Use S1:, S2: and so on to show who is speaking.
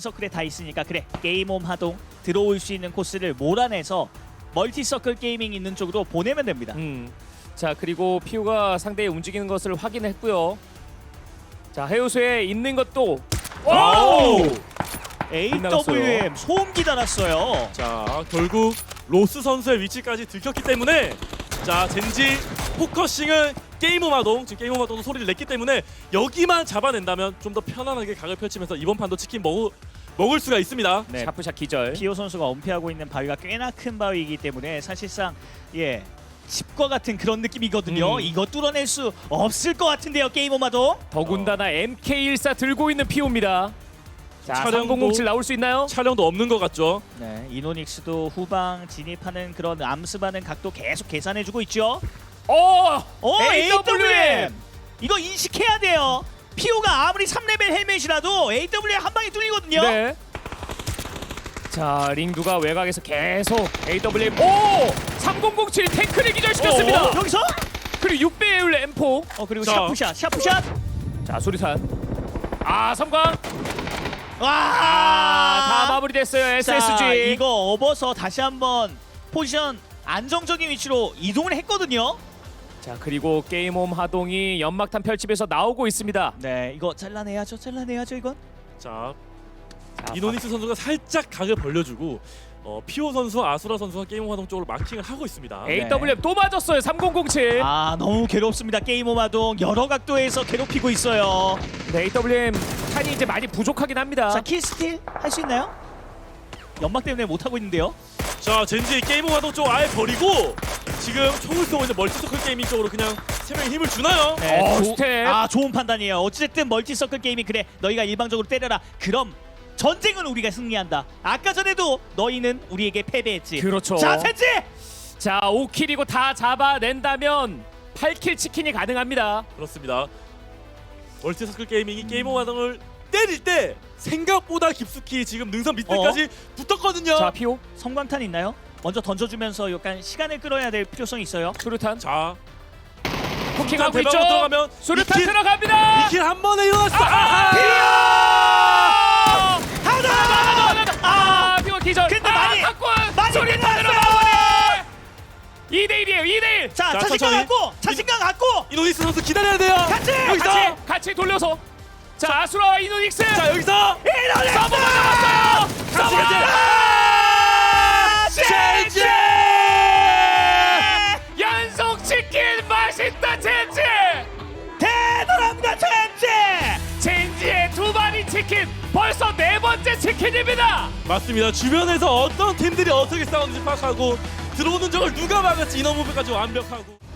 S1: 인서클에 다 있으니까 그래 게임홈 하동 들어올 수 있는 코스를 몰아내서 멀티서클 게이밍 있는 쪽으로 보내면 됩니다.
S2: 자 그리고 피우가 상대의 움직이는 것을 확인했고요. 자 해우소에 있는 것도 와우!
S1: AWM 소음기 달았어요.
S3: 자 결국 로스 선수의 위치까지 들켰기 때문에 자 젠지 포커싱은 게임오마동 지금 게임오마동도 소리를 냈기 때문에 여기만 잡아낸다면 좀 더 편안하게 각을 펼치면서 이번 판도 치킨 먹을 수가 있습니다.
S1: 네,
S2: 샤프샷 기절.
S1: 피오 선수가 은폐하고 있는 바위가 꽤나 큰 바위이기 때문에 사실상 예 집과 같은 그런 느낌이거든요. 이거 뚫어낼 수 없을 것 같은데요, 게임오마도.
S2: 더군다나 MK14 들고 있는 피오입니다. 자
S3: 차량도-
S2: 3007 나올 수 있나요?
S3: 촬영도 없는 것 같죠.
S1: 네, 이노닉스도 후방 진입하는 그런 암습하는 각도 계속 계산해주고 있죠. AWM! 이거 인식해야 돼요. 피오가 아무리 3레벨 헬멧이라도 AWM 한 방에 뚫리거든요.
S2: 네. 자 링두가 외곽에서 계속 AWM 3007 탱크를 기절시켰습니다.
S1: 여기서?
S2: 그리고 6배율 M4.
S1: 그리고
S3: 자.
S1: 샤프샷.
S2: 자 수리탄. 섬광. 다
S1: 와!
S2: 마무리됐어요.
S1: 자,
S2: SSG.
S1: 이거 업어서 다시 한번 포지션 안정적인 위치로 이동을 했거든요.
S2: 자 그리고 게임홈 하동이 연막탄 펼치면서 나오고 있습니다.
S1: 네, 이거 잘라내야죠 이건.
S3: 자
S2: 자,
S3: 이노닉스 선수가 살짝 각을 벌려주고 피오 선수와 아수라 선수가 게임오마동 쪽으로 마킹을 하고 있습니다.
S2: AWM 또 맞았어요. 3007.
S1: 아, 너무 괴롭습니다. 게임오마동 여러 각도에서 괴롭히고 있어요.
S2: 네, AWM 탄이 이제 많이 부족하긴 합니다.
S1: 자, 킬스틸 할 수 있나요? 연막 때문에 못 하고 있는데요.
S3: 자 젠지 게임오마동 쪽 아예 버리고 지금 총을 쏘고 있는 멀티서클 게이밍 쪽으로 그냥 세 명이 힘을 주나요?
S1: 네,
S2: 스텝.
S1: 좋은 판단이에요. 어쨌든 멀티서클 게임이 그래 너희가 일방적으로 때려라. 그럼 전쟁은 우리가 승리한다. 아까 전에도 너희는 우리에게 패배했지.
S2: 그렇죠.
S1: 자, 젠지!
S2: 자 5킬이고 다 잡아낸다면 8킬 치킨이 가능합니다.
S3: 그렇습니다. 멀티서클 게이밍이 게임오마동을 때릴 때 생각보다 깊숙이 지금 능선 밑에까지 붙었거든요.
S2: 자 피오
S1: 성광탄 있나요? 먼저 던져주면서 약간 시간을 끌어야 될 필요성이 있어요.
S2: 수류탄
S3: 자
S2: 쿠킹하고 있죠.
S3: 대박으로 들어가면
S2: 수류탄
S3: 이킬-
S2: 들어갑니다.
S3: 이킬 한 번에 일어났어.
S2: 피오 기절.
S1: 근데 많이
S2: 수류탄으로
S1: 끝났어요.
S2: 마무리. 2대1이에요. 2대1.
S1: 자,
S3: 자,
S1: 자신감
S3: 천천히.
S1: 갖고! 자신감 갖고!
S3: 이노닉스 선수 기다려야 돼요.
S1: 같이!
S3: 여기서
S2: 같이 돌려서. 자 아수라와 이노닉스.
S3: 자 여기서
S2: 서버 잡았어요. 서버.
S3: 젠지!
S2: 연속 치킨 맛있다 젠지.
S1: 대단합니다, 젠지!
S2: 젠지의 두 마리 치킨 벌써 네 번째 치킨입니다.
S3: 맞습니다. 주변에서 어떤 팀들이 어떻게 싸우는지 파악하고 들어오는 적을 누가 막을지 인어무비까지 완벽하고.